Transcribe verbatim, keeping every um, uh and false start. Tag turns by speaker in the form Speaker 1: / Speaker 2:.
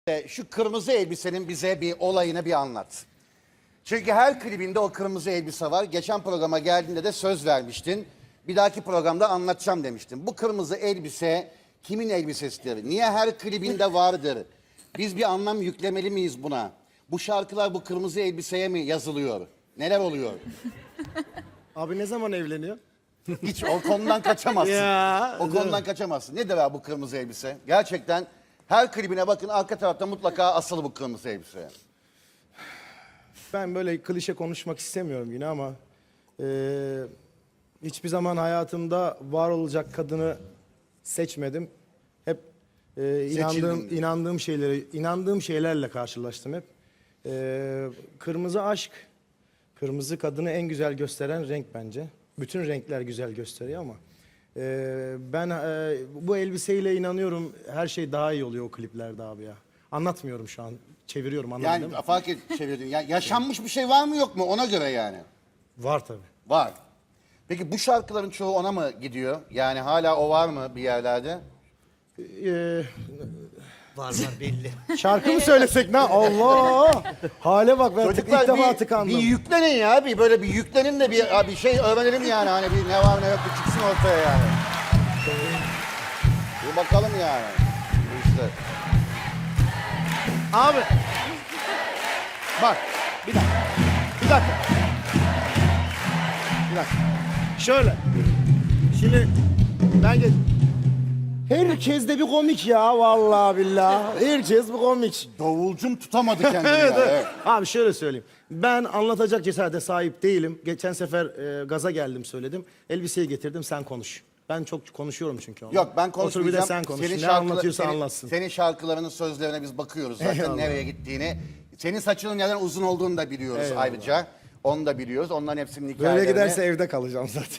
Speaker 1: E, Şu kırmızı elbisenin bize bir olayını bir anlat. Çünkü her klibinde o kırmızı elbise var. Geçen programa geldiğinde de söz vermiştin. Bir dahaki programda anlatacağım demiştin. Bu kırmızı elbise kimin elbisesidir? Niye her klibinde vardır? Biz bir anlam yüklemeli miyiz buna? Bu şarkılar bu kırmızı elbiseye mi yazılıyor? Neler oluyor?
Speaker 2: Abi ne zaman evleniyor?
Speaker 1: Hiç o konudan kaçamazsın.
Speaker 2: Ya,
Speaker 1: o konudan kaçamazsın. Nedir abi bu kırmızı elbise? Gerçekten her klibine bakın, arka tarafta mutlaka asılı bu kırmızı elbise.
Speaker 2: Ben böyle klişe konuşmak istemiyorum yine ama eee, hiçbir zaman hayatımda var olacak kadını seçmedim. Hep eee, inandığım
Speaker 1: Seçildin.
Speaker 2: inandığım şeyleri inandığım şeylerle karşılaştım hep. Eee, kırmızı aşk, kırmızı kadını en güzel gösteren renk bence. Bütün renkler güzel gösteriyor ama eee, ben eee, bu elbiseyle inanıyorum her şey daha iyi oluyor o kliplerde abi ya. Anlatmıyorum şu an. Çeviriyorum anladın değil mi?
Speaker 1: Yani fark et çevirdin. Ya, yaşanmış bir şey var mı yok mu ona göre yani?
Speaker 2: Var tabii.
Speaker 1: Var. Peki bu şarkıların çoğu ona mı gidiyor? Yani hala o var mı bir yerlerde?
Speaker 2: Eee,
Speaker 3: Var var belli.
Speaker 2: şarkı mı söylesek ne? Allah! Hale bak ben tık, ilk defa
Speaker 1: bir,
Speaker 2: tıkandım.
Speaker 1: bir yüklenin ya. Bir böyle bir yüklenin de bir, bir şey öğrenelim yani. Hani bir ne var ne yok bir çıksın ortaya yani. Bir bakalım yani. İşte.
Speaker 2: Abi. Bak. Bir dakika. Bir dakika. Bir dakika. Şöyle. Şimdi ben gel. Herkes de bir komik ya vallahi billahi. Herkes bir komik.
Speaker 1: Davulcum tutamadı kendini
Speaker 2: Evet,
Speaker 1: ya.
Speaker 2: evet.
Speaker 1: Evet.
Speaker 2: Abi şöyle söyleyeyim. Ben anlatacak cesarete sahip değilim. Geçen sefer e, gaza geldim söyledim. Elbiseyi getirdim sen konuş. Ben çok konuşuyorum çünkü onu.
Speaker 1: Yok ben
Speaker 2: Otur bir
Speaker 1: konuşmayacağım.
Speaker 2: de sen konuş.
Speaker 1: Senin
Speaker 2: Ne
Speaker 1: şarkıla-
Speaker 2: anlatıyorsa
Speaker 1: senin-
Speaker 2: anlatsın.
Speaker 1: Senin şarkılarının sözlerine biz bakıyoruz zaten
Speaker 2: Eyvallah.
Speaker 1: nereye gittiğini. Senin saçının neden uzun olduğunu da biliyoruz
Speaker 2: Eyvallah.
Speaker 1: ayrıca. Onu da biliyoruz. Onların hepsinin hikayelerini.
Speaker 2: Böyle giderse evde kalacağım zaten.